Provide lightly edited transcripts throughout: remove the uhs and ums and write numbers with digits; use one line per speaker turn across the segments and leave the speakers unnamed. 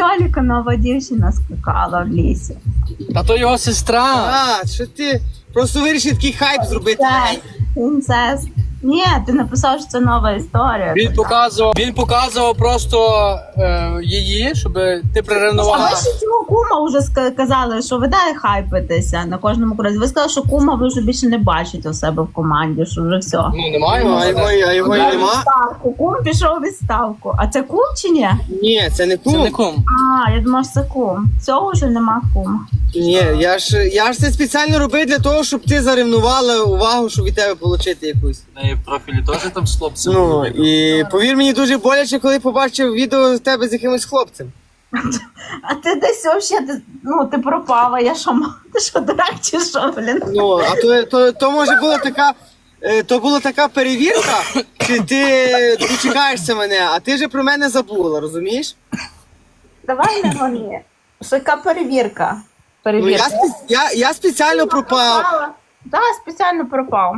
Льоліка нова дівчина скакала в лісі.
Та то його сестра.
А, що ти просто вирішив такий хайп зробити?
Так, принцес. Ні, ти написав, що це нова історія.
Він показував просто її, щоб ти
А
приревнувала.
ви ще цього кума вже казали, що ви дай хайпитеся на кожному кроці. Ви сказали, що кума ви вже більше не бачите у себе в команді, що вже все.
Ну, немає.
А його і нема?
Відставку. Кум пішов у відставку. А це кум чи ні?
Ні, це не
Це не
кум.
кум.
А, я думала, що це кум. Цього вже нема кума.
Ні, я ж це спеціально робив для того, щоб ти заревнувала увагу, щоб від тебе отримати якусь.
В профілі теж там з хлопцем.
Ну, і повір мені, дуже боляче, коли побачив відео з тебе з якимось хлопцем.
А ти десь взагалі, ти пропала, я що, ти що, дурак чи що, блін?
Ну, а то може була така, то була така перевірка, чи ти дочекаєшся мене, а ти же про мене забула, розумієш?
Давай не гони. Що яка перевірка?
Ну,
Перевірка.
я спеціально пропав.
Так, спеціально пропав.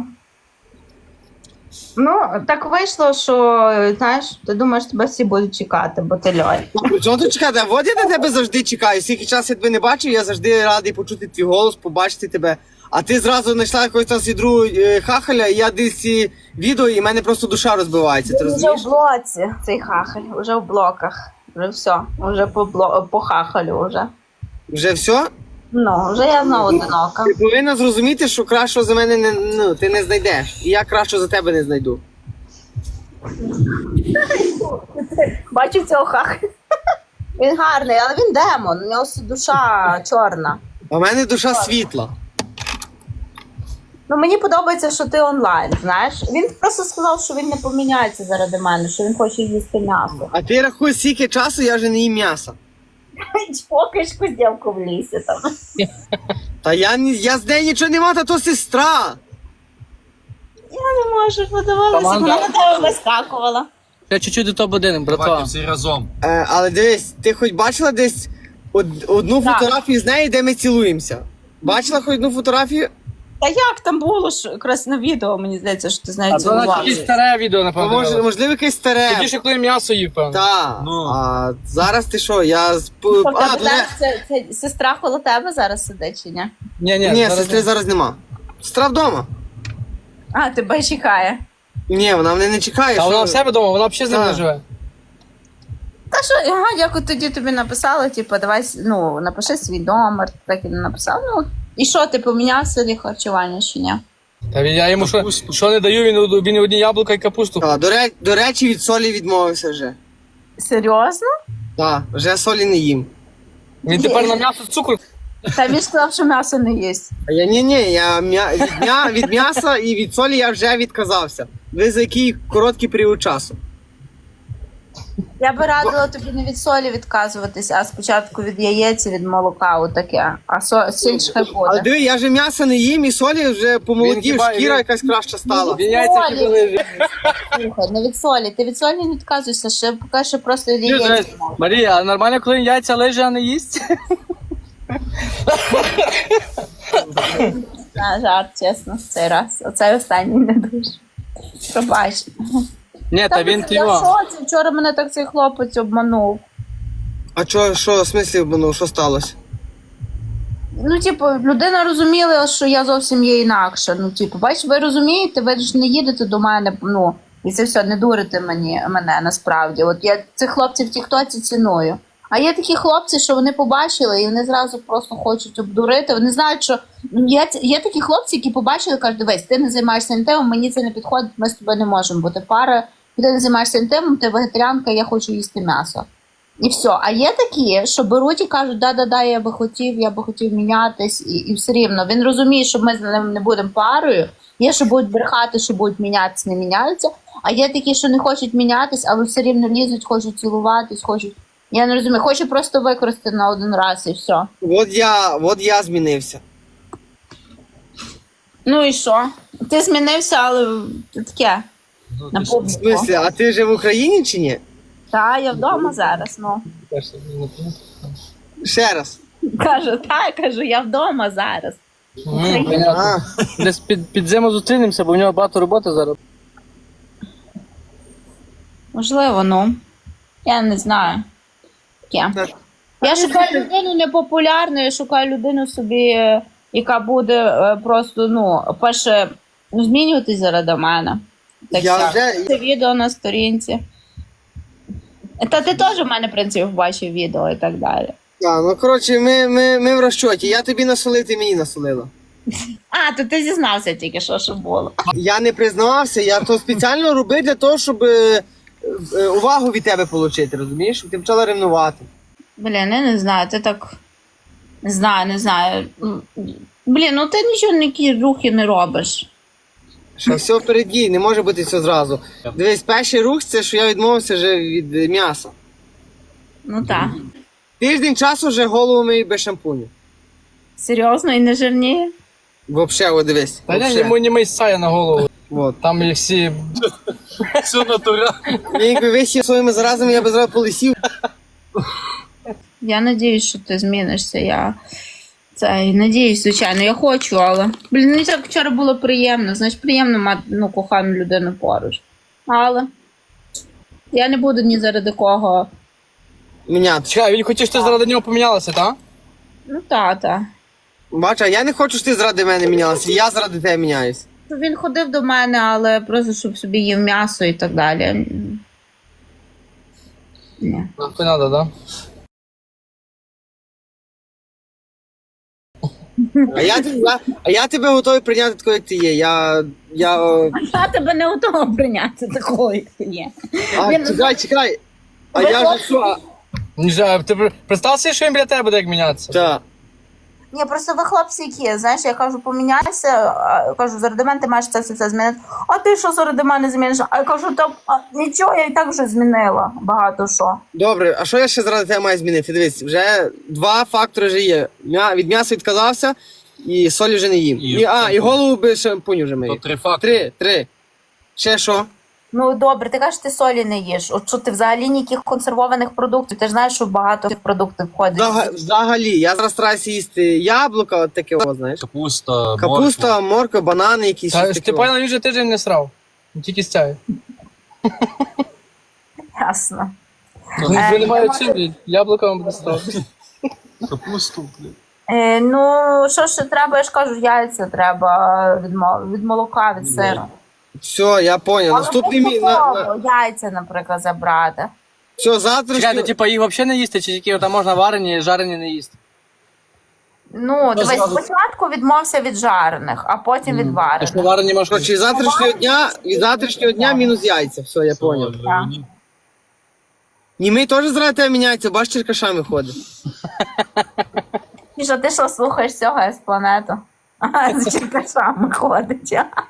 Ну, так вийшло, що, знаєш, ти думаєш, тебе всі будуть чекати, бо ти льоль.
При чому тут чекати? От я на тебе завжди чекаю. Скільки часу я тебе не бачив, я завжди радий почути твій голос, побачити тебе. А ти зразу знайшла якогось там свідру хахаля, і я дивлюсь ці відео, і в мене просто душа розбивається, ти
Вже
розумієш?
в блоці цей хахаль, вже в блоках. Вже все, вже по хахалю вже.
Вже все?
Ну, вже я знову одинока.
Ти повинна зрозуміти, що кращого за мене ти не знайдеш. І я кращого за тебе не знайду.
Бачив цього хахаля? Він гарний, але він демон, у нього душа чорна.
А в мене душа світла.
Ну, мені подобається, що ти онлайн, знаєш. Він просто сказав, що він не поміняється заради мене, що він хоче їсти м'ясо.
А ти рахуй, скільки часу я вже не їм м'яса.
Чпокаєш куздівку в лісі там.
Та я з нею нічого не мав, та то сестра.
Я не можу, подивилася,
Команда.
вона на тебе вискакувала.
Я чуть-чуть до топ-1, братва.
Давайте всі разом.
Але дивись, ти хоч бачила десь одну
Так.
фотографію з нею, де ми цілуємося? Бачила хоч одну фотографію?
Та як там було ж якраз на відео, мені здається, що ти з нею
А це якесь
цілувався.
старе відео,
То
напевно.
можливо якесь старе.
Тоді ще коли м'ясо їв, певно.
Так.
Ну.
А зараз ти що?
Це сестра коло тебе зараз сидить чи ні?
Ні,
зараз
сестри зараз нема. Сестра вдома.
А, тебе чекає.
Ні, вона мене не чекає.
А
що
вона
ви?
в себе вдома, вона взагалі з ним не
Так.
живе.
Та що, як от тоді тобі написала, типу, давай, напиши свій номер, так і написав. Ну, і що, ти поміняв собі харчування чи ні?
Та я йому що не даю, він одні яблука і капусту.
До речі, від солі відмовився вже.
Серйозно?
Так, вже солі не їм.
Він тепер на м'ясо цукру.
Та він сказав, що м'ясо не їсть.
А я від м'яса і від солі я вже відказався. Ви за який короткий період часу?
Я би радила тобі не від солі відказуватись, а спочатку від яєць і від молока, отаке. А сіль ж хай
Але
буде.
диви, я вже м'яса не їм і солі вже помолодів,
хіба-
шкіра
він-
якась краща стала.
Він яйця
Солі.
хіба
Слухай, не від солі. Ти від солі не відказуйся, ще поки що просто від яєць.
Марія, а нормально, коли він яйця лиже, а не їсть?
На жарт, чесно, цей раз. Оцей останній не дуже. Пробач.
Ні, та він
Я в
його.
шоці. Вчора мене так цей хлопець обманув.
А що в смислі, ну, що сталося?
Ну, типу, людина розуміла, що я зовсім є інакша. Ну, типу, бачиш, ви розумієте, ви ж не їдете до мене, і це все, не дурите мене насправді. От я цих хлопців в тіктоці ціную. А є такі хлопці, що вони побачили, і вони зразу просто хочуть обдурити. Вони знають, що є такі хлопці, які побачили, кажуть, дивись, ти не займаєшся інтимом, мені це не підходить, ми з тобою не можемо бути пара. Ти не займаєшся інтимом, ти вегетаріанка, я хочу їсти м'ясо. І все. А є такі, що беруть і кажуть, да, я би хотів мінятись, і все рівно. Він розуміє, що ми з ним не будемо парою. Є, що будуть брехати, що будуть мінятися, не міняються. А є такі, що не хочуть мінятись, але все рівно лізуть, хочуть цілуватись, хочуть. Я не розумію, хочу просто використати на один раз і все.
От я змінився.
Ну і що? Ти змінився, але таке. На
В
публіку.
смислі, а ти вже в Україні чи ні?
Та, я вдома зараз, ну.
Ще раз.
Кажу, я вдома зараз.
А,
Десь під зиму зустрінемося, бо в нього багато роботи зараз.
Можливо, ну. Я не знаю. Таке. Я шукаю людину непопулярну, я шукаю людину собі, яка буде просто, ну, перше, змінюватись заради мене. Так
Я
що,
вже-
це відео на сторінці. Та ти теж в мене, в принципі, бачив відео і так далі.
Ну коротше, ми в розчоті. Я тобі насолив, ти мені насолила.
А, то ти зізнався тільки що було.
Я не признавався, я то спеціально робив для того, щоб увагу від тебе отримати, розумієш? Щоб ти почала ревнувати.
Блін, я не знаю, ти так. Не знаю. Блін, ну ти нічого ніякі рухи не робиш.
Що все впереді, не може бути все зразу. Дивись, перший рух це, що я відмовився вже від м'яса.
Ну так.
Тиждень часу вже голову мию без шампуню.
Серйозно і не жирніє?
Вообще, от дивись.
Та ні,
вообще.
йому не мий сая на голову.
Вот.
Там і всі.
Все натурально.
Я якби висів своїми заразами, я би зразу полисів.
Я надіюсь, що ти змінишся. Я надіюсь, звичайно, я хочу, але. Блін, мені так вчора було приємно. Знаєш, приємно мати кохану людину поруч. Але я не буду ні заради кого.
Міняти.
Чекай, він хотів, що ти заради нього помінялася, так?
Ну, тата.
Бач, а я не хочу, щоб ти заради мене мінялася, я заради тебе міняюсь.
Він ходив до мене, але просто щоб собі їв м'ясо і так далі. Ні.
Не треба, так?
А я тебе готовий прийняти такою, як ти є. Я
Я тебе не готова прийняти такою, як ти є.
чекай. А
Ви
я
хлопці?
ж що?
Не знаю, ти представ собі, що він біля тебе буде як мінятися?
Так.
Ні, просто ви хлопці які, знаєш, я кажу, поміняйся, кажу, заради мене ти маєш це все змінити. А ти що заради мене зміниш? А я кажу, нічого, я і так вже змінила багато що.
Добре, а що я ще заради тебе маю змінити? Дивись, вже два фактори вже є. Від м'яса відказався і солі вже не їм. І голову без шампуню вже
То
мию.
3 факти.
Три. Ще що?
Ну добре, ти кажеш, ти солі не їш. От що ти взагалі ніяких консервованих продуктів, ти ж знаєш, що багато цих продуктів входить.
Взагалі, я зараз стараюся їсти яблука, от таке, знаєш.
Капуста,
Капуста, морква, банани якісь.
Та,
щось
ти
таке.
понял, він вже тиждень не срав. Він тільки стяє.
Ясно.
Він немає чим, блядь. Яблука вам буде ставити.
Капусту, блін.
Ну, що ще треба, я ж кажу, яйця треба від молока, від сиру.
Все, я понял. Наступний мій.
Яйця, наприклад, забрати.
Все, завтра.
Чекай, типа їх взагалі не їсти, чи тільки там можна варені, жарені не їсти?
Ну, дивись, спочатку відмовся від жарених, а потім від
Ти
варених.
що варені можеш
Короче, від завтрашнього дня мінус яйця. Все, я понял. Німий теж зради тебе міняється, бач, черкашами ходить.
І що, ти що, слухаєш цього з планету? З черкашами ходить.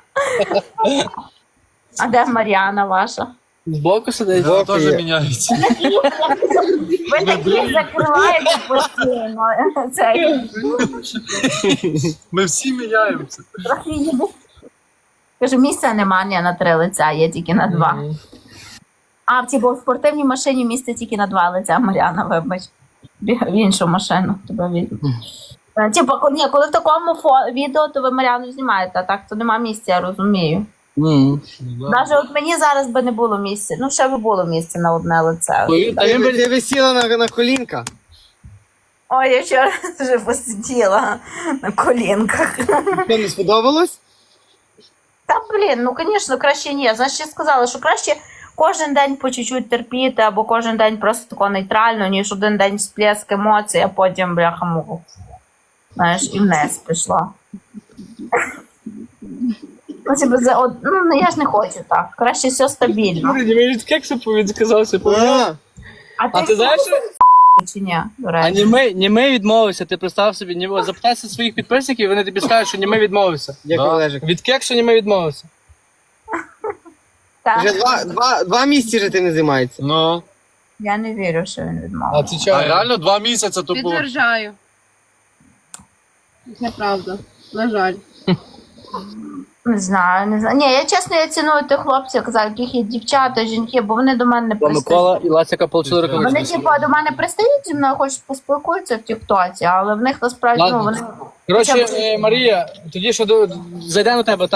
А де Мар'яна ваша?
збоку сидить?
Збоку
Теж
є.
міняється.
Ви такі закриваєте постійно.
Ми всі міняємося.
Трохи їде. Кажу, місця немає на 3 лиця, є тільки на 2. А, в спортивній машині місце тільки на 2 лиця, Мар'яна, вибач. В іншу машину тебе візьму. Ні, коли в такому відео, то ви Мар'яну знімаєте, а так то нема місця, я розумію. Навіть от мені зараз би не було місця. Ну, ще би було місце на одне лице.
Ти висіла на колінка.
Ой, я вчора вже посиділа на колінках.
Що, не сподобалось?
Та, блін, ну, звісно, краще ні. Знаєш, я сказала, що краще кожен день по чуть-чуть терпіти, або кожен день просто тако нейтрально, ніж один день всплеск емоцій, а потім, бляха-муха, знаєш, і вниз пішла. Ну, я ж не хочу так. Краще все стабільно.
Мені від кексу відказався. А ти знаєш,
Чи ні, до
а
речі?
німей відмовився, ти представ собі, запитайся своїх підписників, вони тобі скажуть, що німей відмовився.
Дякую,
Да.
Олежик.
Від кексу німей відмовився.
Так.
Вже два місяці вже ти не займається.
Ну,
Я не вірю, що він
А
відмовив.
ти
а
чого?
реально 2 місяці то було.
Підтверджаю. Неправда. На жаль.
Не знаю, не знаю. Ні, я чесно, я ціную тих хлопців, яких є дівчата, жінки, бо вони до мене не пристають.
Микола і Ласяка отримали
Вони,
рукавичку.
типу, до мене пристають зі мною, хочуть поспілкуватися в тіктоці, але в них насправді,
Ладно.
ну, вони
Коротше, Марія, тоді що зайдемо до тебе,